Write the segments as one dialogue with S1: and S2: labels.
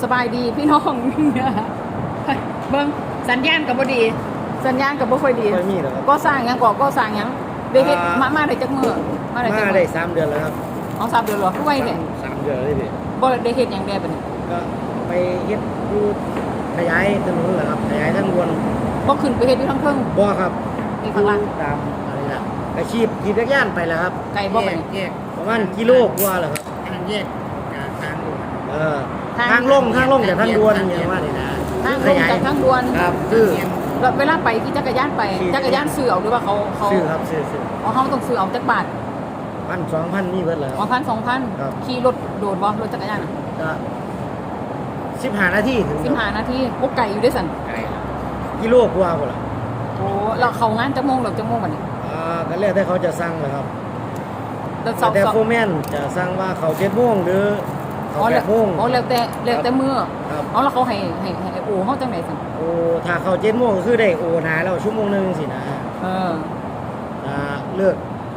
S1: สบายดีพี่น้อง เบิ่งสัญญาณกับบ่ดี สัญญาณกับบ่ค่อยดี
S2: ไม่มีหรอกครับ
S1: ก็สร้างหยังก็สร้างหยังได้เฮ็ดมาได้จักมื้อมาได้จัก
S2: มา
S1: มื้
S2: ได้
S1: อ
S2: 3 เดือนแล้วครับ
S1: อ๋อ3 เดือนเหรอคือไวแท้
S2: 3 เดือนเลยพี่
S1: บ่ได้เฮ็ดหยังแด่บัดนี้
S2: ก็ไปเฮ็ดดูขยายถนนแหละครับขยายทางด่วน
S1: บ่ขึ้นไปเฮ็ดอยู่ทางเทิง
S2: บ่ครับ
S1: นี่ข้างล่าง
S2: ตามอะไรนะไปขี่จักรยานไปแล้วครับ
S1: ไกลบ่บัดนี้
S3: แยก
S2: ประมาณกิโลกว่าแหละครับ
S3: ทางแยกกับทางด่วน
S2: เออทางลงจากทางด่วนอย่างว่านี่นะ
S1: ทางลงจากทางด่วน
S2: ครับคือ
S1: แล้วเวลาไปขี่จักรยานไปจักรยานซื้อเอาหรือว่าเขา
S2: ซื้อครับซื้อ
S1: อ๋อเฮาต้องซื้อเอาจักบาท
S2: 1,000-2,000นี่เบิดแล้ว
S1: อ๋อ1,000-2,000
S2: ครับ
S1: ขี่รถโดดบ่รถจักรยานน่ะ
S2: ก็15 นาทีถึงครับ
S1: 15 นาทีโอ้ไกลอยู่เด้อสั่น
S3: ไกล
S2: กิโลกว่าพุ่นล่ะ
S1: โอ้เราเข้างานจักโมงหรือจักโมงบัดนี้
S2: ก็แล้วแต่เขาจะสั่งแหละครับ
S1: แล้วเสาร์
S2: แต่โฟร์แมนจะสั่งว่าเขา7โมงหรือเขา
S1: อ๋อแล้ว
S2: 8โมง
S1: อ๋อแล้วแต่มื้อ
S2: ครับ
S1: อ๋อแล้วเขาให้โอ้เฮาจังได๋สั่น
S2: โอ้ถ้าเขา7โมงก็คือได้โอนาแล้วชั่วโมงหนึงสินะ
S1: เออ
S2: เลิก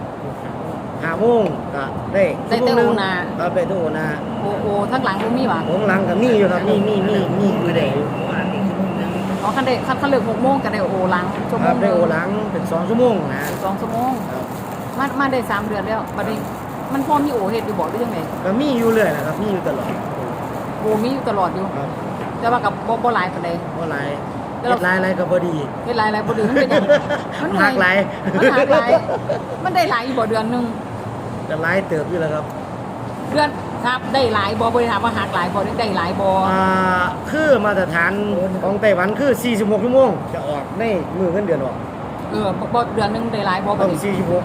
S2: 5โมงก็ได้ชั่วโมงหนึงครับได้ถึงโอนา
S1: โอ้ทั้งหลังบ่มีหว่า
S2: ของหลังก็มีอยู่ครับมีคือได้
S3: ว่าอีกชั่วโมงนึง
S1: อ๋อคันได้คันเลิก6โมงก็ได้โอหลังชั่ว
S2: ค
S1: โม
S2: รับ
S1: ง
S2: ได้โอหลังเป็น2ชั่วโมงนะ
S1: 2ชั่วโมง
S2: ครับ
S1: มาได้3เดือนแล้วบัดนี้มันพอมีโอเฮ็ดอยู่บ่หรือจังได๋
S2: ก็มีอยู่เรื่อยนะครับมีอยู่ตลอด
S1: โอมีอยู่ตลอดอยู่
S2: ครับ
S1: แต่ว่ากับบ่หลายปานใด
S2: บ่หลาย
S1: แล้วเรา
S2: เฮ็ดหลายก็บ่ดี
S1: เฮ็ดหลายบ่ดีมันเป็นหยังมัน
S2: หักหลาย
S1: มันหักหลายมันได้หลายอยู่บ่เดือนหนึง
S2: ก็หลายเติบอยู่แล้วครับ
S1: เดือนครับได้หลายบ่ได้ถามว่าหักหลายบ่ได้หลายบ่
S2: คือมาตรฐานของไต้หวันคือ46ชั่วโมงจะออกในมือเงินเดือนออก
S1: บ่เดือนหนึงได้หลายบ่บั
S2: ต้
S1: ด
S2: อง
S1: นี้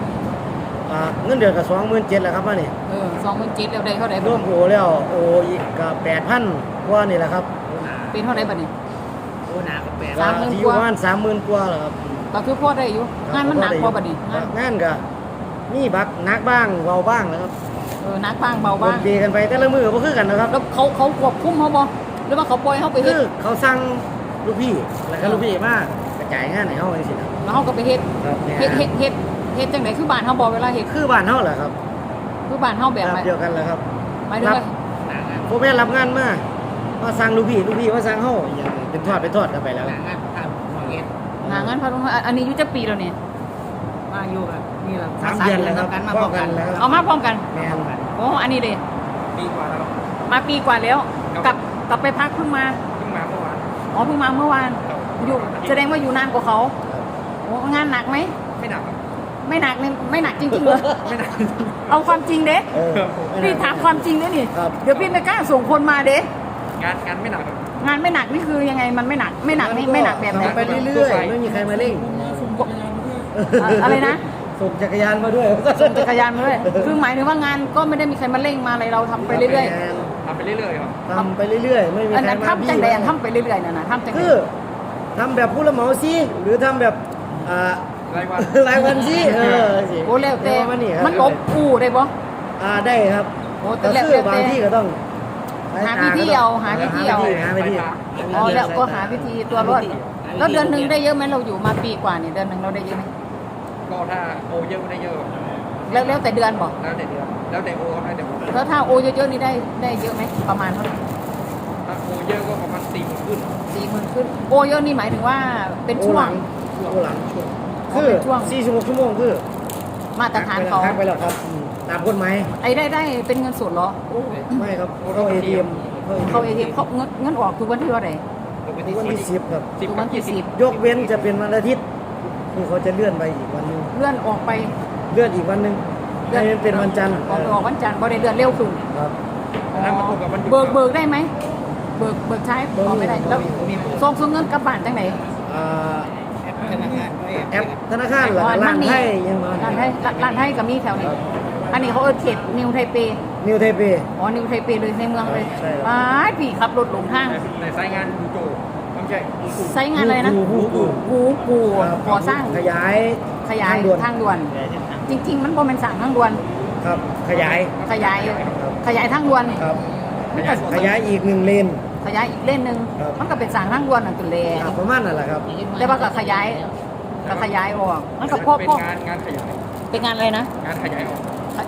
S2: 46เงินเดือนก็27,000แล้วครับมานี่
S1: 27,000แล้วได้เท่าใด
S2: ร
S1: บ่
S2: วมโอแล้วโออีกก็8,000กว่านี่แหละครับ
S1: เป็นเท่าใดบัดนี้
S3: โอ้หนาก็แปด
S1: 30,000
S2: ที่อยู่ประมาณ30,000กว่าแล้วครับ
S1: ก็คือพอได้อยู่งานมันหนักบ่บัดนี้งาน
S2: งานก็มีบักหนักบ้างเบาบ้างนะครับ
S1: หนักบ้างเบาบ้าง
S2: วนเปกันไปแต่ละมือบ่คือกันนะครับ
S1: แล้วเขาควบคุมเฮาบ่หรือว่าเขาปล่อยเฮาไปเฮ็
S2: คื
S1: ด
S2: อเขาสั่งลูกพี่แล้วก็ลูกพี่มากระจายงานให้เฮาจังซี่นะ
S1: แล้วเฮาก็ไปเฮ็ด
S2: ครับ
S1: เฮ็ดจังได๋คือบ้านเฮาบ่เวลาเฮ็ด
S2: คือบ้านเฮาแหละครับ
S1: คือบ้านเฮาแบบ
S2: แบบเดียวกันแหละครับ
S1: หมายถึงว่า
S3: หนางาน
S2: ผมแม่นรับงานมาสั่งลูกพี่มาสั่งเฮาอย่างเป็นทอดกันไปแล้ว
S3: หนางานทำของเอ็ด
S1: หางานพาลงอันนี้อยู่จักปีแล้วเนี่ย
S3: มาอยู่กับนี่แหละ
S2: 3 เดือนแล้วครับ
S3: กันมา
S2: พ
S3: พ
S2: อ
S3: อ
S2: กั
S3: กัน น
S2: แล้วครับ
S1: เอามาพร้อมกัน
S2: แม่น
S1: โอ้อันนี้เด้
S3: ปีกว่าแล้ว
S1: มาปีกว่าแล้วกลับไปพักเพิ่งมา
S3: เพิ่งมาเมื่อวาน
S1: อ๋อเพิ่งมาเมื่อวานอยู่แสดงว่าอยู่นานกว่าเขาโอ้งานหนักไหม
S3: ไม่หนักครับ
S1: ไม่หนักเนี่ยไม่หนักจริงๆเลย
S3: ไม่หนัก
S1: เอาความจริงเด้
S2: เออ
S1: พี่ถามความจริงเด้นี่
S2: ครับ
S1: เดี๋ยวพี่ไม่กล้าส่งคนมาเด้
S3: งานไม่หนักครับ
S1: งานไม่หนักนี่คือยังไงมันไม่หนักไม่หนักแบบไหน
S2: ทำไปเรื่อยๆไม่มีใครมาเร่ง
S1: อะไรนะ
S2: ส่งจักรยานมาด้วย
S1: ส่งจักรยานมาด้วยคือหมายถึงว่างานก็ไม่ได้มีใครมาเร่งมาอะไรเราทำไปเรื่อย
S3: ทำไปเรื่อยๆครับ
S2: ทำไปเรื่อยๆไม่มี
S1: ๆอัน
S2: ใคร
S1: นั้น
S2: มา
S1: ทำจังใดอันทำไปเรื่อยๆน่ะนะทำจังใด
S2: คือทำแบบผู้รับเหมาสิหรือทำแบบ
S3: รายวัน
S2: รายวันสิสิ
S1: โอ้แล้วแต่
S2: ประาณนี้ครับ
S1: มันลบอู่ได้บ่
S2: ได้ครับ
S1: โอ้แต่
S2: ก็
S1: แล้ว
S2: คือ
S1: แต่
S2: บางที่ก็ต้อง
S1: หาวิธีเอาหาวิธีเอา
S2: หาวิธี
S1: อ๋อแล้วก็หาวิธีตัวรอดแล้วเดือนหนึ่งได้เยอะไหมเราอยู่มาปีกว่าเนี่ยเดือนหนึ่งเราได้เยอะไหม
S3: ก็ถ้าโอเยอะก็ได้เยอะครับ
S1: แล้วแต่เดือนบอก
S3: แล้วแต่เดือนแล้วแต่โอครับแล้วแต่โอ
S1: แล้วถ้าโอเยอะๆนี่ได้เยอะไหมประมาณเท่าไหร่
S3: ถ้าโอเยอะก็ประมาณ40,000ขึ้น
S1: 40,000ขึ้นโอเยอะนี่หมายถึงว่าเป็นช่วง
S2: ช่วงหลัง
S1: อ๋อ
S2: คือ
S1: เป็นช่วง
S2: 46ชั่วโมงคือ
S1: มาตรฐานเขา
S2: ทักไปแล้วครับตามกฎหมาย
S1: ไอ้ได้เป็นเงินสดเหรอ
S2: ไม่ครับเข้า ATM
S1: เขาเอทีเขาเงินออกทุกวันที่ว่าไหน
S3: ปก
S2: ทุ
S3: ติ
S2: กวันที่10ครับ
S1: ทุกวันที่10
S2: ยกเว้นจะเป็นวันอาทิตย์คือเขาจะเลื่อนไปอีกวันหนึง
S1: เลื่อนออกไป
S2: เลื่อนอีกวันหนึงให้มันเป็นวันจันทร์
S1: ออกวันจันทร์บ่ได้เดือนเร็วขึ้น
S2: ครับ
S3: แล้วมาตรงกับวันหยุด
S1: เบิกได้ไหมเบิกใช้พอไม่ได้แล้วส่งเงินกลับบ้านจังไหน
S2: อ่า
S3: แอปธนาคาร
S2: แอปธนาคารหรือร้านไทยยังมา
S1: ร้านไทยก็มีแถวนี้ อันนี้เขาเขตนิวไทเป
S2: นิวไทเป
S1: อ๋อนิวไทเปเลยในเมืองเลย
S2: ใช่ครับ
S1: ว้ายพี่ขับรถหลงทาง
S3: ในสายงานดูโจไม่ใช่
S1: ใช้งานอะไรนะ กูก่อสร้าง
S2: ขยาย
S1: ทางด่วน จริง ๆ มันบ่เป็นสั่งทางด่วน
S2: ครับขยาย
S1: ขยายทางด่วน
S2: ครับ
S1: มันก็
S2: ขยายอีก1เลน
S1: ขยายอีกเลนหนึง
S2: ครับ
S1: มันก็เป็นสั่งทางด่วนนั่นตัวแล
S2: ครับประมาณนั่นแหละครับ
S1: แต่ว่าก็ขยายออกมันก็พอ
S3: เป็นงานขยาย
S1: เป็นงานอะไรนะ
S3: งานขยายออก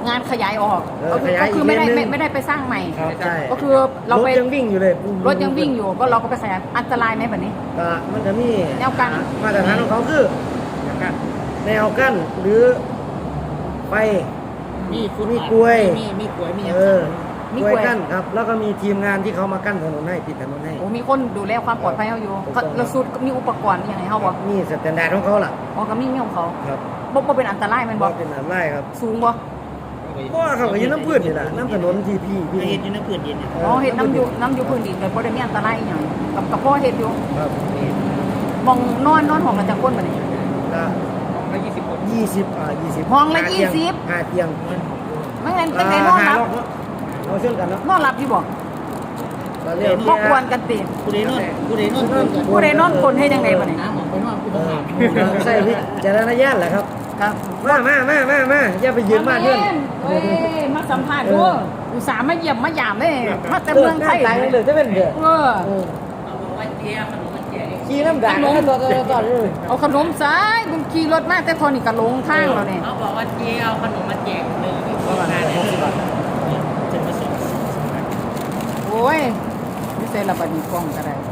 S1: งานขยายออก
S2: ขยาย
S1: ก็คือไม่ได้
S2: อีกเลนหนึ่ง
S1: ไม่ได้ไปสร้างใหม่
S2: ครับใช่
S1: ก็คือเราไป
S2: ถยังวิ่งอยู่เลย
S1: รถยังวิ่งอยู่ก็เราก็ไปขยายอันตรายไหมแบบนี้
S2: ก็มันจะมี
S1: แนวกั้น
S2: มาตรฐานของเขาคือ
S3: อย่างกัน
S2: แนวกั้นหรือไฟ
S3: มีฟุต
S2: มีกล้วย
S3: มีกล้วยมี
S2: เออ
S1: มี
S2: ก
S1: ก
S2: ล้
S1: ล้ว
S2: วย ยกั้นครับ แล้วก็มีทีมงานที่เขามากั้นถนนให้ปิดถนนให้
S1: โอ้มีคนดูแลความปลอดภัยเขาอยู่
S2: ถูกต้อง
S1: เราสุดมีอุปกรณ์อย่างไรเขาบอก
S2: นี่สแตนดาร์ดของเขาล่ะ
S1: อ๋อก็มีของเขา
S2: ครับ
S1: บ่เป็นอันตรายแมันบ
S2: ก็
S1: อก
S2: เป็นอะไรครับ
S1: สูงบ่
S2: เพราะว่าเขาก็อยืนน้ำพืชนี่แหละน้ำถนนที่พี่
S3: เห็นอยู่ในพื้นดินเนี่ย
S1: อ๋อเห็ดน้ำอยู่พื้นดินเลยบ่ได้มีอันตรายอหย่างกับพ่อเห็ดอยู่
S2: ครับ
S1: มองนอนห้องกันจังคนบัดนี้
S2: ก็
S3: ละ20 คน
S2: 20
S1: ห้องละ
S2: ห้าเตีย
S1: 20
S2: ห้าเตียง
S1: ไม่งั้นจังได๋นอนหลับ
S2: เราเชื่อกันเนาะ
S1: นอนหลับอยู่บ่
S2: เราเรียก
S1: บ่ควรกันติ
S3: ผู้ใดนอนผู้ใดนอนคนกัน
S1: ผู้ใดนอนคนให้จังไดบัดนี้
S3: น้ำออกไปนอนผู้
S2: เอ
S3: ต้อง
S2: อ
S3: หา
S2: ใช่พี่เจรญาณแหละครับ
S1: ครับ
S2: มาอย่าไปยืนมากเพื่อน
S1: เฮ้ยมาสัมภาษณ์ด้วยอุตส่าห์มาเยี่ยมมายามเลยมาแต่เมืองไทย
S2: ตายเลยจะเป็นเด้อ
S1: เออ
S2: ขี่น้ำด่างต่อเลย
S1: เอาขนมซ้ายมึงขี่รถมาแต่ทอนี่ก็ลงทางแล้วเนี่ย
S4: เขาบอกว่าเจ๊เอาขนมมาแจกเลยที่โครงการเนี่ยจะมาส่ง
S1: โอ้ยไม่ใช่ระบาดนีกล้องก็ได้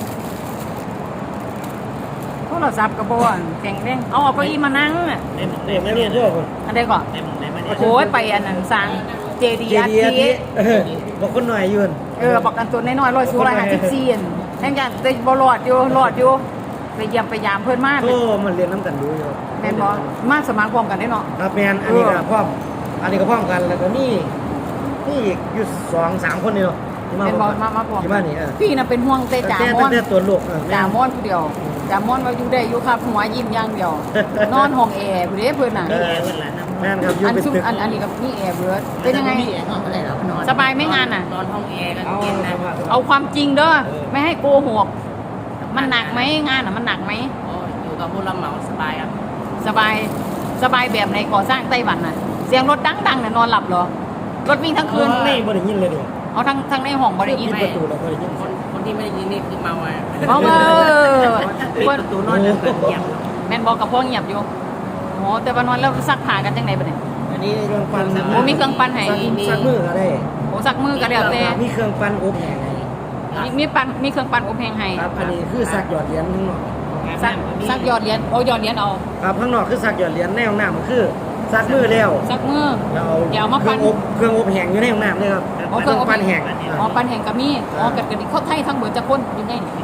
S1: โทรศัพท์กระบอกแข็งแรงเอาเก้าอี้มานั่งอ่ะ
S2: เด็กไม่เรียนด้วยคน
S1: อันใดก่อน
S4: ในมึงไหนมาเนี่ย
S1: โอ้ยไปอันนั้นสั่งเจดีอาที
S2: บอกคนหน่อยยืน
S1: บอกกันตัวน้อยๆร้อยสูง154แห่งอย่างแต่บ่รอดอยู่ไปเยี่ยมไปยามเพิ่นมา
S2: โอ้มันเรียนน้ำกันดูอยู่
S1: แม่นบ่มาสมัครพร้อมกันได้เนาะ
S2: ครับแมนอันนี้ก็พร้อมกันแล้วก็นี่อีกอยู่2-3คนนี่เนาะที่
S1: แม่นบ่
S2: พร้อ
S1: มาพร้อม
S2: ที่มานี่
S1: พี่น่ะเป็นห่วงแต่จ่ามอน
S2: แต่ตัวลูก
S1: จ่ามอนผู้เดียวจ่ามอนว่าอยู่ได้อยู่ครับหัวยิ้มอย่างเดียว นอนห้องแอร์ผู้เด้เพิ่นน่ะ
S4: แอร์วันละน้ำ
S2: แม่นครับอยู่
S1: อัน
S2: เป็น
S1: ซุม
S2: ตึก
S1: อันนี้กับนี่แอร์เบิร์ดเป็นยังไง
S4: มีแอร์ห้องอะไรแล้วนอน
S1: สบายไหมงานน่ะ
S4: นอนห้องแอร์กันเย็นนะ
S1: เอาความจริงเด้อไม่ให้โกหกมันหนักไหมงานน่ะมันหนักไหม
S4: โอ้อยู่กับผู้รับเหมาสบายครับ
S1: สบายแบบไหนก่อสร้างไต้หวันน่ะ เสียงรถดังๆน่ะนอนหลับเหรอรถวิ่งทั้งคืน
S2: ไม่บ่ได้ยินเลยดิ
S1: เอาทั้งในห้องบ่ได้ยิน
S2: ปิดประตูแล้วบ่ได้ยิน
S4: คนที่ไม่ได้ยินนี่คือเมาอ่ะ
S1: เพราะว่า
S4: ปิดประตูนอนแล้วแบบเงียบ
S1: แม่นบอกกับพ่อเงียบอยู่โอ้แต่ว่านอนแล้วซักผ้ากันจังไดบัดนี้
S4: อันนี้
S2: เครื่องปั่น
S1: โอ้มีเครื่องปั่นให้
S2: ซักมือก็ได้
S1: โอ้ซักมือก็แล้วแต่
S2: มีเครื่องปั่นอบแห้งให้
S1: มีเครื่องปั่นอบแห้งให้
S2: ครับอันนี้คือซักหยอดเหรียญข้างนอก
S1: ซักยอดเหรียญเอายอดเหรียญเอา
S2: ครับข้างนอกคือซักหยอดเหรียญในห้องน้ำมันคือซักมือแล้ว
S1: ซักมือ
S2: แล้ว
S1: เดี๋ยวเอามา
S2: เค
S1: ปั่
S2: รื่อน งอบแห้งอยู่ในห้องน้ำเลยครับ
S1: อ๋อเครื่องอบ
S2: ปั่นแห้ง
S1: อ๋อปั่นแห้งก็มีอ๋อกัดกันเขาไทยทั้งเบิดจะคนอยู่ในนี่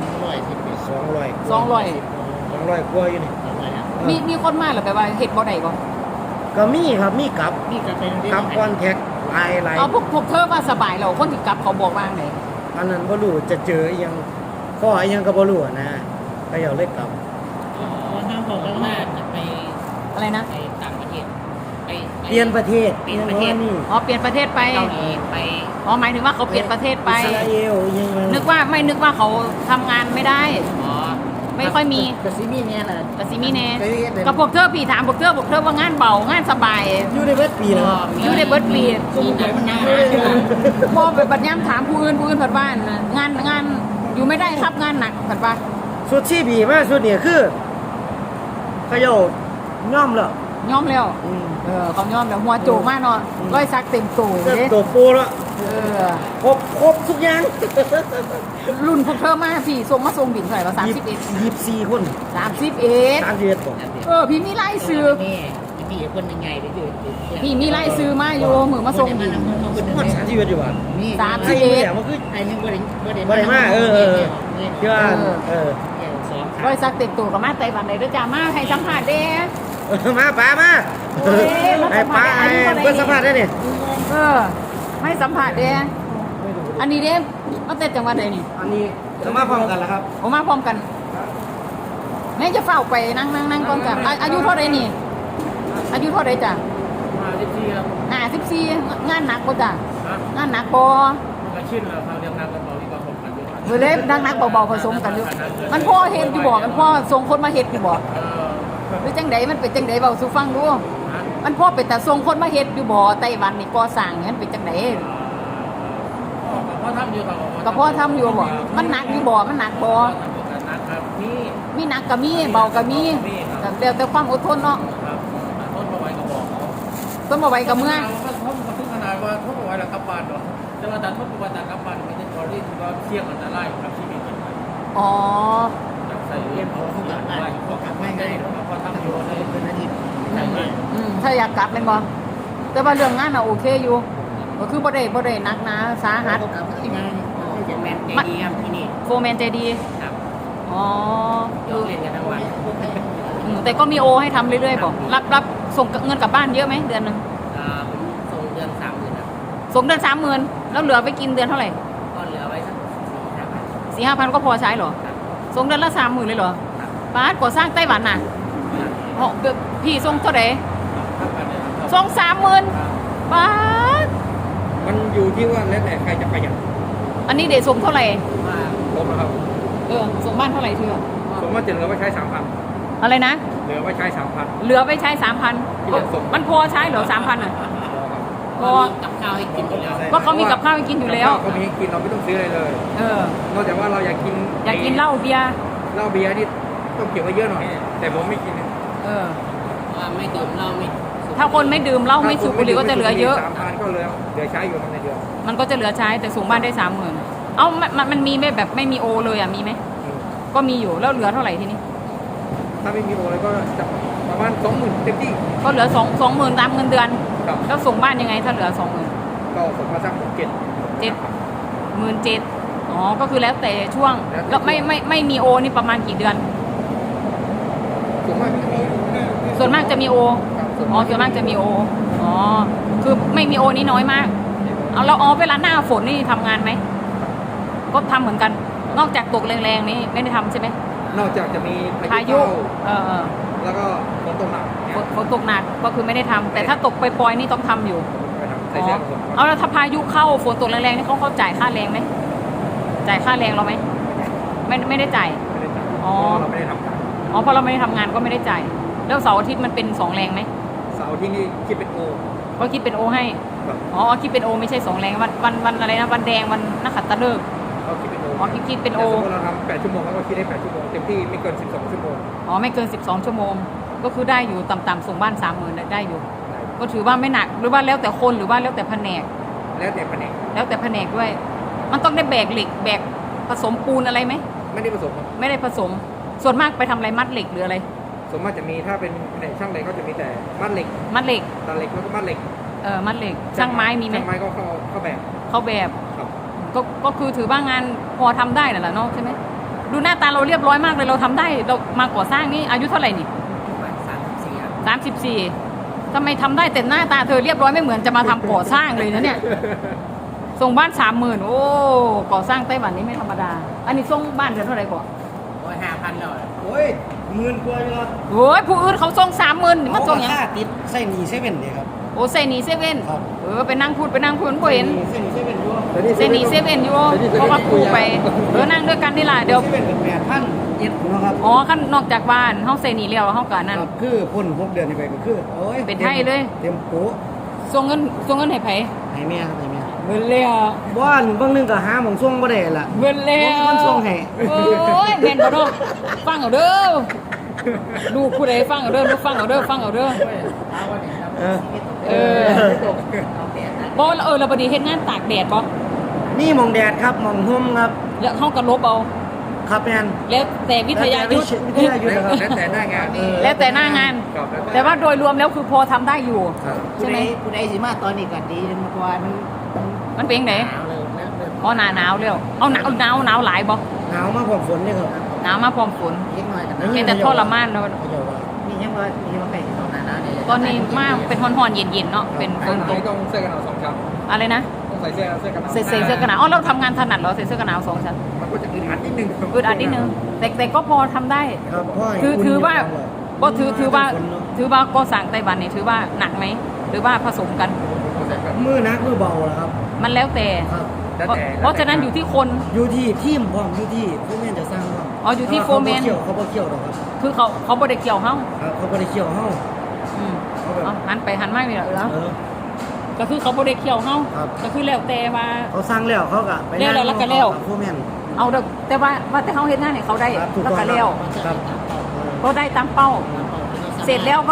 S2: 200
S1: 200
S2: กว่าอยู่นี่
S1: มีคนมาหรือแปลว่าเฮ็ดบ่ได้บ่
S2: ก็มีครับมีกลับ
S4: นี่จะเป็น
S2: กลับคอนแทคหลาย
S1: เอาพวกเธอว่าสบายแล้วคนที่กลับเขาบอกว่าไง
S2: อันนั้นบ่รู้จะเจออีหยังข้ออีหยังก็บ่รู้อะนะก็อย่าเลยกลับ
S4: ห้ามบอกกันว่าจะไป
S1: อะไรนะ
S4: ไปต่างประเทศไป
S2: เปลี่ยนประเทศ
S4: เปลี่ยนประเทศ
S2: นี่
S1: อ๋อเปลี่ยนประเทศไป
S4: เกาหลีไป
S1: อ๋อหมายถึงว่าเขาเปลี่ยนประเทศไป
S2: อิสราเอลอีหยัง
S1: นึกว่าเขาทำงานไม่ได้
S4: อ๋อ
S1: ไม่ค่อยมี
S4: กระซิมี่เนี่ยแหละ
S1: กสิมีแน่กับพวกเธอพี่ถามพวกเธอว่างานเบางานสบาย
S2: อยู่ในเบิดปีแล้ว
S1: อยู่ในเบิร์ดปี
S4: มีหนังมันน่า
S1: พอไปบัดย้ำถามผู้อื่นเผัดบ้านน่ะงานอยู่ไม่ได้ครับงานหนักเผัดว่า
S2: สุดที่บีมากสุดเนี่ยคือเขย่าย่อมแล้ว
S1: ย่อมแล้วเขาย่อมแล้วหัวโจกมากเนาะร้อยซักเต็มตัว
S2: เริ่ม
S1: เด้
S2: ตัวปูแล้ว
S1: เออ
S2: ครบทุกอย่าง
S1: รุ่นพวกเธอมาพี่ส่งมาส่งบินเท่าไหร่วะ
S2: 24 คน
S1: 31
S2: 31คน
S1: พี่มีไล่ซื้อ
S4: นี่มีคนยังไงไปดู
S1: พี่มีไล่ซื้อมาอยู่มือมาส่งบิน
S2: มัน31อยู่ว่ะ
S4: นี่
S1: 31
S2: ไอ้เนี่ยมันคือ
S4: ไอ้นี่บ่ได้
S2: บ่ได้มาที่ว่า
S4: สอง
S1: ร้อยซักเต็มตัวกับมาไต้หวันเลยเด้อจ้ามาให้สัมภาษณ์เด้
S2: มาป้ามา
S1: โอ้ยมาสั
S2: ไอ้
S1: ม
S2: ป้า
S1: ภาษณ์
S2: ไอ้
S1: อายุเท่าไหร่
S2: เพิ่นสัมภาษณ์ได้นี่
S1: ให้สัมภาษณ์เด้อันนี้เด้มาแต่จังหวัดใดนี่
S2: อันนี้จะมาพร้อมกันแล้วครับ
S1: ผมมาพร้อมกันแม่จะเฝ้าไปนั่งก่อนจ้ะอายุเท่าไรนี่ อายุเท่าไรจ้ะ
S3: มาที่ที่แล้ว
S1: 14งานหนักบ่จ้ะงานหนักบ่
S3: ก็ชื่นแล้วเขาเรียกนักกันบอกที่ก็ผมกันด้วย
S1: เว้ยเล็บนักเบาๆผสมกันอยู่มันพ่อเฮ็ดอยู่บ่มันพ่อส่งคนมาเฮ็ดอยู่บ่หรือจังไดมันเป็นจังไดเว้าสู่ฟังดูมันพ่อเป็นแต่ส่งคนมาเฮ็ดอยู่บ่ไต้หวันนี่ก่อสร้างมันเป็นจังได
S3: พ่อทำอยู่กับ
S1: ก็พ่อทำอยู่บ่มันหนักอยู่บ่มันหนักบ่
S3: นะครับนี่
S1: มีหนักก็มีเบาก็มีแต่ความอดทนเนาะ
S3: ครับต้นประไว้ก็บอกเขา
S1: ต้นบ่ไหวก็เมื่อ
S3: เทุบเอาไว้แล้วกลับบ้านเนาะแต่ว่าแต่ทุบเอาไว้แต่กลับบ้านไม่ได้ตอนนี้ถือว่าเสี่ยงอันตรายกับชีวิต
S1: อ๋อ
S3: ใส่เรียนเขาทุกอย่างได้เขากลับไม่ได้เขาทำอยู่ในเป็นอาทิตย์ใช่ไหม
S1: ถ้าอยากกลับเป็นบ่แต่ว่าเรื่องงานน่ะโอเคอยู่ก็คือบ่ได้หนักหนาสาหัส
S4: เขากลับที่งานจะแมนใจดีครับที่นี่
S1: โฟร์แมนใจดี
S4: ครับ
S1: อ๋อ
S4: ยกเล่นกันทั้งวัน
S1: แต่ก็มีโอให้ทำเรื่อยๆบ่รับส่งเงินกลับบ้านเยอะไหมเดือนหนึง
S4: ผมส่งเดือน30,000ครับ
S1: ส่งเดือน30,000แล้วเหลือไปกินเดือนเท่าไหร่
S4: ก็เหลือไว้สัก4-5,000
S1: 4-5,000ก็พอใช้เหรอส่งเดือนละ30,000เลยเหรอป้าดก่อสร้างไต้หวันน่ะอ๋อพี่ส่งเท่าไหร่ส่ง30,000ป้าด
S3: มันอยู่ที่ว่าแล้วแต่ใครจะประหยัด
S1: อันนี้เดี๋ยวส่งเท่าไหร่
S4: ว่า
S3: ผมนะครับ
S1: ส่งบ้านเท่าไหร่เธอ
S3: ผมว่าจะเหลือไว้ใช้
S1: อะไรนะ
S3: 3,000เหลือไว้ใช้ 3,000
S1: เหลือไปใช้
S3: ที่เหลือส่ง
S1: 3,000มันพอใช้เหรอ 3,000อ่ะพอ
S4: กับข้าวให้กินอยู่แล้ว
S1: ก็เขามีกับข้าวให้กินอยู่แล้ว
S3: เขามีให้กินเราไม่ต้องซื้ออะไรเลย นอกจากว่าเราอยากกิน
S1: อยากกินเหล้าเบียร์
S3: เหล้าเบียร์นี่ต้องเก็บไว้เยอะหน่อย แต่ผมไม่กินนะ
S4: ว่าไม่ดื่มเหล้าไม่
S1: ถ้าคนไม่ดื่มเหล้าไม่สูบบุหรี่ก็จะเหลือเยอะ
S3: 3,000ก็เหลือใช้อยู่ในเดือน
S1: มันก็จะเหลือใช้แต่ส่งบ้านได้ 30,000เอ้ามันมีไม่แบบไม่มีโอเลยอ่ะมีไหมก็มีอยู่แล้วเหลือเท่าไหร่ทีนี้
S3: ถ้าไม่มีโอเลยก็จะประมาณ 20,000เต็มที่
S1: ก็เหลือ20,000ตามเงินเดือน
S3: ครับ
S1: แล้วส่งบ้านยังไงถ้าเหลือ 20,000
S3: ก็ผมมาสัก7
S1: 17,000อ๋อก็คือแล้วแต่ช่วง
S3: แล้วแต่
S1: แล้วไม่มีโอนี่ประมาณกี่เดือน
S3: ส่วนมากจะมี
S1: ส่วนมากจะมีโอ อ๋อส่วนมากจะมีโอ อ๋อ คือไม่มีโอนี่น้อยมาก เอาแล้วเวลาหน้าฝนนี่ทำงานไหม ก็ทำเหมือนกัน นอกจากตกแรงๆนี่ไม่ได้ทำใช่ไหม
S3: นอกจากจะมี
S1: พายุ
S3: เข้แล้วก็ฝนตกหนักเนี่ย
S1: ฝนตกหนักก็คือไม่ได้ทำแต่ถ้าตกปล่อยๆนี่ต้องทำอยู่
S3: ไปทำ
S1: อ๋
S3: ใส่
S1: อ
S3: เสื้อผม
S1: เอาแล้วถ้าพายุเข้าฝนตกแรงๆนี่เขาจ่ายค่าแรงไหม จ่ายค่าแรงเราไหม ไม่ได้จ่าย
S3: ไม่ได้จ่าย
S1: อ๋อ
S3: เพราะเราไม่ได้ทำงาน
S1: อ๋อเพราะเราไม่ได้ทำงานก็ไม่ได้จ่าย แล้วเสาร์อาทิตย์มันเป็น2แรงไหม
S3: เสาร์ที่นี่คิดเป็นโอ
S1: ก็คิดเป็นโอให้
S3: แบบ
S1: อ๋อคิดเป็นโอไม่ใช่2แรงวันอะไรนะวันแดงวันนักขัตฤกษ์
S3: เขาคิดเป็นโอ
S1: อ๋อคิดเป็นโอ
S3: แต่สมมติเราทำ8 ชั่วโมงเขาก็คิดได้8 ชั่วโมงเต็มที่ไม่เกิน12 ชั่วโมง
S1: อ๋อไม่เกิน12 ชั่วโมง ก็คือได้อยู่ต่ำๆส่งบ้าน 30,000ได้อยู่ ก็ถือว่าไม่หนักหรือว่าแล้วแต่คนหรือว่าแล้วแต่แผนก
S3: แล้วแต่แผนก
S1: แล้วแต่แผนกด้วย มันต้องได้แบกเหล็กแบกผสมปูนอะไรไหม
S3: ไม่ได้ผสมครับ
S1: ไม่ได้ผสม ส่วนมากไปทำอะไรมัดเหล็กหรืออะไร
S3: ส่วนมากจะมีถ้าเป็นแผนกช่างเหล็กก็จะมีแต่มัดเหล็ก
S1: มัดเหล็ก
S3: ตัดเหล็กแล้วก็มัดเหล็ก
S1: มัดเหล็กช่างไม้มีไหม
S3: ช่างไม้ก็เข้าแบบ
S1: เขาแบบ
S3: ครับ
S1: ก็คือถือว่างานพอทำได้น่ะแหละเนาะใช่ไหมดูหน้าตาเราเรียบร้อยมากเลยเราทำได้เรามาก่อสร้างนี่อายุเท่าไหร่นี่
S4: 34ครับ
S1: 34ทำไมทำได้แต่หน้าตาเธอเรียบร้อยไม่เหมือนจะมาทำก่อสร้างเลยนะเนี่ย ส่งบ้าน 30,000โอ้ก่อสร้างไต้หวันนี่ไม่ธรรมดา อันนี้ส่งบ้านเดือนเท่าไหร่ก่อน
S4: โอ้ย5,000แล้ว
S2: โอ้ย10,000กว่าอยู่ครับ
S1: โอ้ยผู้อื่นเขาส่ง30,000นี่มันส่งหยัง
S2: ค่าติดใส่หนีเซเว่นเนี่ยครับ
S1: โอ้เซนีเซเว่น
S2: ครับ
S1: ไปนั่งพูดบ่เห็น
S2: ใส่หนีเซเว่นอยู่
S1: เซนีเซเว่นอยู่เพราะว่าครูไปนั่งด้วยกันนี่ล่ะเดี๋ยว
S2: เซเว่นเป็น8,000เอ็ดนะครับ
S1: อ๋อขั้นนอกจากบ้านเฮาเซนีแล้วเฮาก็นั่น
S2: ครับคือพ่น6 เดือนนี่ไปก็คือโอ้ย
S1: เป็นไทยเลย
S2: เต็มโป๊ะ
S1: ส่งเงินให้ไผ
S2: ให้แม่ครับให้แม่
S1: เบิ่นแล้ว
S2: บ้านบางนึงก็หาหม่องส่งบ่ได้ล่ะ
S1: เบิ่นแล้ว
S2: มันส่งให้
S1: โอ้ยแม่นบ่เนาะฟังเอาเด้อลูกผู้ใดฟังเอาเด้อลูกฟังเอาเด้อฟังเอาเด้อ
S4: เอาวันนี้ครับ
S1: เออ
S4: เอาแดดนะ
S1: บ่แล้วบัดนี้เฮ็ดงานตากแดดบ่
S2: นี่หม่องแดดครับหม่องห่มครับ
S1: แล้วเฮาก็ลบเอา
S2: ครับแม่น
S1: แล้วแต่วิทยายุทธ์
S2: วิทยายุทธ์นะครับ
S3: แล้วแต่หน้างาน
S1: แล้วแต่หน้างาน
S3: ครับ
S1: แต่ว่าโดยรวมแล้วคือพอทำได้อยู่
S3: ครับ
S1: ใช่ไหม
S4: ผู้ใดสิมาตอนนี้ก็ดีมากกว่ามัน
S1: มันเป็นจังได
S4: หนาวเลยเริ่ม
S1: อ๋อหนาวแล้วเอาหนาวหลายบ่
S2: หนาวมากกว่าฝนนี่ครับ
S1: หนาวมาพร้อมฝน
S4: เล็กน้อยกัน
S1: เป็นแต่ทรมานเนาะ
S2: เขาจะว่า
S4: นี่ยังว่าใครตอนนั้นนะเนี่ย
S1: ตอนนี้มากเป็นฮ้อนๆเย็นๆเนาะเป็นฝนตก
S3: ต้องเสื้อกันหนาว2 ชั้น
S1: อะไรนะ
S3: ต้องใส่เสื้อกันหนาว
S1: ใส่เสื้อกันหนาวอ๋อเราทำงานถนัดเหรอใส่เสื้อกันหนาว2ชั้น
S3: มันก็จะอึดอัดนิดนึง
S1: อึดอัดนิดนึงแต่ก็พอทำได้
S2: ครับพ่อให้
S1: ถือว่า
S2: อุ่นยู่
S1: ก็ถือว่า
S2: ฝนเนอะ
S1: ถือว่าก็สั่งไต้หวันนี่ถือว่าหนักไหมหรือว่าผสมกัน
S2: มือนักมือเบาล่ะครับ
S1: มันแล้วแต่
S2: ครับ
S1: เพราะฉะนั้นอยู่ที่คน
S2: อยู่ที่ทีมพร้อมอยู่ที่ผู้แม่นจะสร้างพร้อม
S1: อ๋ออยู่ที่โฟร์แมน
S2: เขาบ่เกี่ยวหรอกครับ
S1: คือเขาบ่ได้เกี่ยวเฮา
S2: ครับเขาบ่ได้เกี่ยวเฮา
S1: อืม
S2: เขาแบบ
S1: เอาหันไปหันมานี่ล่ะ
S2: เออ
S1: ก็คือเขาบ่ได้เกี่ยวเฮา
S2: ครับ
S1: ก็คือแล้วแต่ว่า
S2: เขาสร้างแล้วเขาก็ไป
S1: แล้วก็แล้ว
S2: ผู้แม่น
S1: เอาเด้อแต่ว่าแต่เฮาเฮ็ดงานให้เขาได้
S2: ครับถูก
S1: แล้ว
S2: ต้อง
S1: ก็แล้ว
S2: ครับ
S1: เขาได้ตามเป้า เสร็จแล้วก็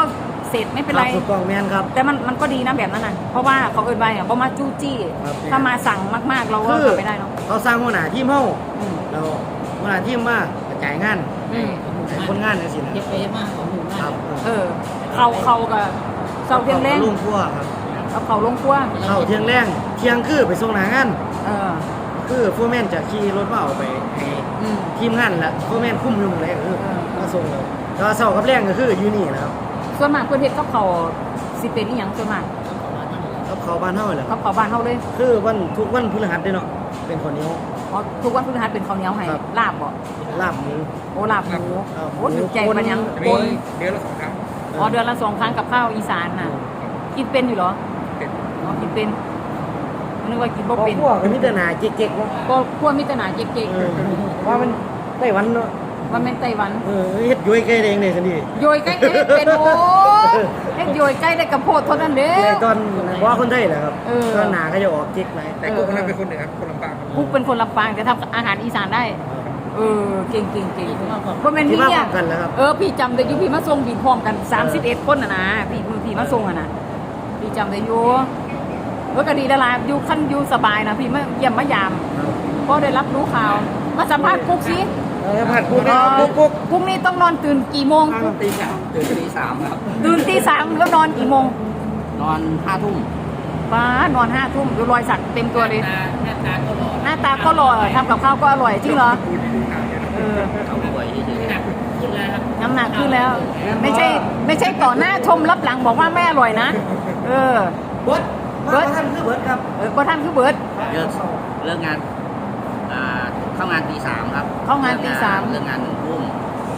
S1: เสร็จไม่เป็นไร
S2: ถูกต้องแม่นครับ
S1: แต่มันก็ดีนะแบบนั้นน่ะเพราะว่าเขาเอิ้นไว้อะบ่มาจู้จี้
S2: ครับ
S1: ถ้ามาสั่งมากๆเราก็
S2: คือ
S1: ทำไม่ได้เนาะ
S2: เขาสร้างหัวหน้าทีมเฮา
S1: อืม
S2: เราหัวหน้าทีมมากระจายงาน
S1: อืม
S2: ให้คนงานจังซี่นะ
S4: เฮ็ดไปมากของหมู่
S2: ค
S4: มา
S2: รั
S4: ก
S2: บ
S1: เขากับเสาเทียงแรง
S2: ลุงครัวครับ
S1: เอาเขาลงครัว
S2: เข้าเที่ยงแรงเที่ยงคือไปส่งหน้างาน
S1: เออ
S2: คือโฟร์แมนจะขี่รถมาเอาไปให้
S1: อืม
S2: ทีมงานละโฟร์แมนคุ้มอยู่หมดเลยก็คือ
S1: เออ
S2: มาส่งเลยแต่ว่าเสาร์กับแรงก็คืออยู่นี่นะครับ
S1: ส่วนมากเพื่อนเฮ็ดกับเขาวสิเป็นอีหยังส่วนมาก
S2: กับเขาบ้านเฮาแหละ
S1: กับเขาวบ้านเฮาเลย
S2: คือวันทุกวันพฤหัสเด้เนาะเป็นคนเหนี้ยว
S1: อ๋อทุกวันพฤหัสเป็นข้าวเหนียวให้
S2: ครับ
S1: ลาบบ่
S2: ลาบหมู
S1: โอ้ลาบหมู
S2: ครับ
S1: โอ้ถึงใจปานยัง
S3: มีเดือนละ2 ครั้ง
S1: อ๋อเดือนละ2 ครั้งกับข้าวอีสานน่ะกินเป็นอยู่เหรอ
S3: เป็น
S1: อ๋อกินเป็นนึกว่ากินบ่เป็น
S2: พวกก็มีแต่หนาเก๊กๆเนาะ
S1: ก็พวกมิตรหนาเก๊ก
S2: เออว่ามันไต้หวันเนาะ
S1: ๆว่าแม่นไต้หวัน
S2: เฮ็ดย้วยใกล้เองเนี่ยสินี่
S1: โยยใกล้เอ๊ะเป็นโอ้เฮ็ดโยยใกล้ได้กับโพดเท่านั้นเด้
S2: ตอนว่าคนไทยแหละครับ
S1: เออ
S2: ตอนหนาก็จะออกเก๊กหน่อย
S3: แต่กูคนนั้นเป็นคนเหนือคนลำปางครับ
S1: กุ๊กเป็นคนลำปางแต่ทำอาหารอีสานได้ เออเก่งเก่งเก่งเพราะแม่น
S2: ที่
S1: พี่
S2: มาพร้
S1: เนี่
S2: อย มกันแล้วครับ
S1: เออพี่จำได้อยู่พี่มาส่งพี่พร้อมกัน31คนน่ะนะพี่มาส่งอ่ะนะพี่จำได้อยู่ก็ดีดาราอยู่ขั้นอยู่สบายนะพี่มาเยี่ยมมายามก็ได้รับรู้ข่าวมาสัมภาษณ์กุ๊กสิ
S2: ผัดกุ๊กนะครับกุ๊ก
S1: กุ๊กนี่ต้องนอนตื่นกี่โมง
S4: ตีสามตื่นตีสามครับ
S1: ตื่นตี 3แล้วนอนกี่โมง
S4: นอน5 ทุ่ม
S1: ป้านอน5 ทุ่มดูรอยสักเต็มตัวเลย
S4: หน้าตาก็หล่อ
S1: หน้าตาก็หล่อทำกับข้าวก็อร่อยจริงเหรอ
S3: กูที่ดูข่าวเนี่ยนะ
S1: เออ
S4: เขาป่วยที่หนักขึ้นแล้วครับ
S1: น้ำหนักขึ้นแล้ว ไม่ใช่ต่อหน้าชมรับหลังบอกว่าแม่อร่อยนะ เออ
S2: เบิร์ดเบิร์ดท่านคือเบิร์ดครับ
S1: ก็ท่านคือเบิร์ด
S4: เลิกงานเข้างานตี 3 ครับ
S1: เข้างานตี 3
S4: เลิกงาน1 ทุ่ม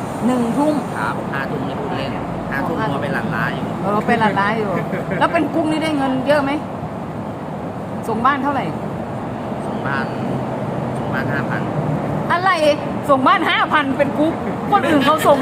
S1: 1 ทุ่ม
S4: ครับ5 ทุ่มนี่พูดเล่น5 ทุ่มมัวไปหลั่นล้าอยู่
S1: เออเป็นหลานร้ายอยู่ แล้วเป็นกุ้งนี่ได้เงินเยอะไหมส่งบ้านเท่าไหร่
S4: ส่งบ้าน5,000
S1: อะไรส่งบ้าน 5,000 เป็นกุ๊กคนอื่นเขาส่ง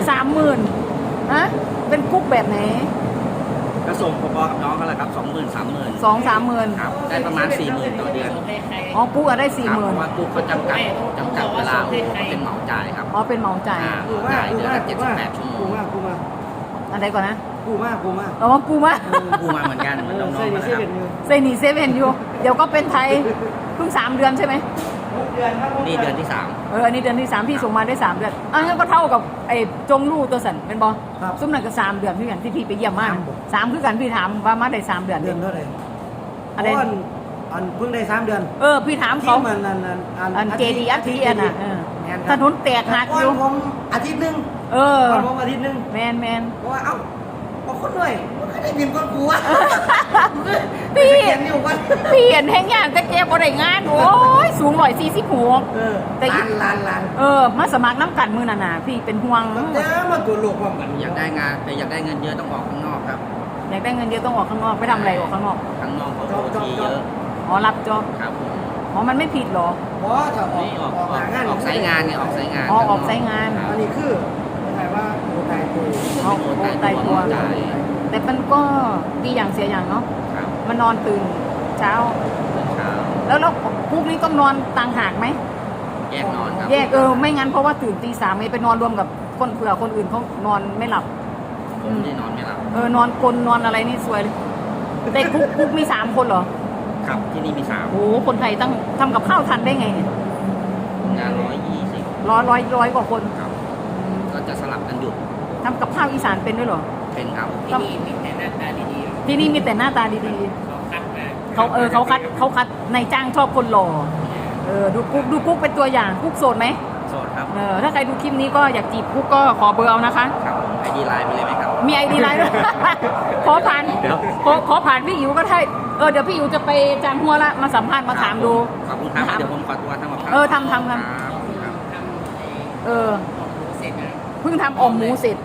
S1: 30,000ฮะเป็นกุ๊กแบบไหน
S4: ก็ส่งพอๆกับน้องเขาแหละครับ 20,000 30,000
S1: 2-30,000
S4: ครับได้ประมาณ 40,000 ต่อเดือน
S1: อ๋อกุ๊กอะได้
S4: ครับเพราะว่ากู้เขาจำกัดเวลาเป็นเหมาจ่ายครับ
S1: 40,000อ๋อเป็นเหมาจ่าย
S2: กูมาก
S4: จ่าย
S2: กู
S4: เดือน
S2: มาก
S4: ละ
S2: กูมาก
S4: 78 ชั่วโม
S2: กู
S4: ง
S2: มากกูมาก
S1: อะไรก่อนนะ
S2: กูมากกูมาก
S1: อ๋อกูมา
S4: กู้มาเหมือนกันเหมือนน้อง
S2: ใส่
S4: ๆ
S2: ดิ
S4: นะ
S2: เซ
S4: ครับ
S2: เว่นอยู่
S1: เซนีเซเว่นอยู่ เดี๋ยวก็เป็นไทยเพิ่ง3 เดือนใช่ไหม
S2: เดือนครับ
S4: นี่เดือนที่
S1: อันนี้เดือนที่ 3พี่ส่งมาได้ 3 เดือนอันนั้นก็เท่ากับไอ้จงลู่ตัวสันเป็นบอซุ้มนั่นก็3 เดือนพี่กันที่พี่ไปเยี่ยมมา3คือกันพี่ถามว่ามาได้3 เดือน
S2: เดือนเท่าไหร่
S1: อะไร
S2: อันเพิ่งได้3 เดือน
S1: พี่ถาม
S2: ที่
S1: เขา
S2: มัน
S1: อันเจดีอัทีอันน่ะถนนแตกหัก
S2: ก่
S1: อยู่
S2: ผมอาทิตย์นึง
S1: เออ
S2: ก่อนผมอาทิตย์นึง
S1: แมน
S2: เพราะว่าเอ้าบอกคนหน่อยมันก็ได้เงินก้อนกูอ่ะ
S1: พี่
S2: เขียนอยู่วัน
S1: พี่เห็นแห้งอย่างแต่แกบ่ได้งานโอ้ยสูง146 แต่อีก
S2: ล้าน
S1: มาสมัครน้ำกันมือน่ะพี่เป็นห่วง
S2: แต่มาตัวลูกความกัน
S4: 3 อยากได้งานแต่อยากได้เงินเยอะต้องออกข้างนอกครับ
S1: อยากได้เงินเยอะต้องออกข้างนอกไปทำอะไรออกข้างนอก
S4: ข้างนอกเขาโอทีเยอะ
S1: อ๋อรับจอบ
S4: ครับผม
S1: อ๋อมันไม่ผิดเหรอ
S2: เพราะถ้าออก
S4: นี่ออก
S2: หางาน
S4: ออกสายงานไงออกสายงาน
S1: อ๋อออกสายงาน
S2: อันนี้คือหมายว่าโอตายตัว
S1: เอา
S4: โอน
S1: ตายตัว
S4: จ่าย
S1: แต่มันก็ดีอย่างเสียอย่างเนาะ
S4: ครับ
S1: มันนอนตื่นเช้า
S4: เช้า
S1: แล้วพวกนี้ต้องนอนต่างหากไหม
S4: แยกนอนครับ
S1: แยกไม่งั้นเพราะว่าตื่นตี 3ไม่ไปนอนรวมกับคนเผื่อคนอื่นเขานอนไม่หลับ
S4: ผมไม่ได้นอนไม่หลับ
S1: นอนกลนนอนอะไรนี่สวยเลยแต่คุกมี3 คนเหรอ
S4: ครับที่นี่มี
S1: โอ้โหคนไทยตั้งทำกับข้าวทันได้ไงเนี่ย
S4: 3งาน120
S1: ร้อยกว่าคน
S4: ครับก็จะสลับกันหยุด
S1: ทำกับข้าวอีสานเป็นด้วยเหรอ
S4: เป็นครับ
S1: ที่นี่มีแต่หน้าตาดีๆที่นี่มีแต่หน้าตาดีๆเขาคัดในจ้างชอบคนหล่อดูกุ๊กเป็นตัวอย่างกุ๊กโสดไหม
S4: โสดครับ
S1: ถ้าใครดูคลิปนี้ก็อยากจีบกุ๊กก็ขอเบอร์เอานะคะ
S4: ครับผมไอดีไลน์ไปเลยไหมครับ
S1: มีไอดีไลน์ด้วย ขอผ่านขอผ่านพี่อิ๋วก็ได้เดี๋ยวพี่อิ๋วจะไปจางหัวละมาสัมภาษณ์มาถามดู
S4: ขอบคุณครับเดี๋ยวผมขอตัวทำกับข้าว
S1: ทำ
S4: ครับ
S1: เพิ่งทำอ่อมหมูเสร็จ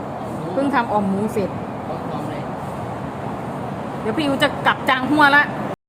S1: เดี๋ยวพี่อิ๋วจะกลับจางหัวละ
S4: ค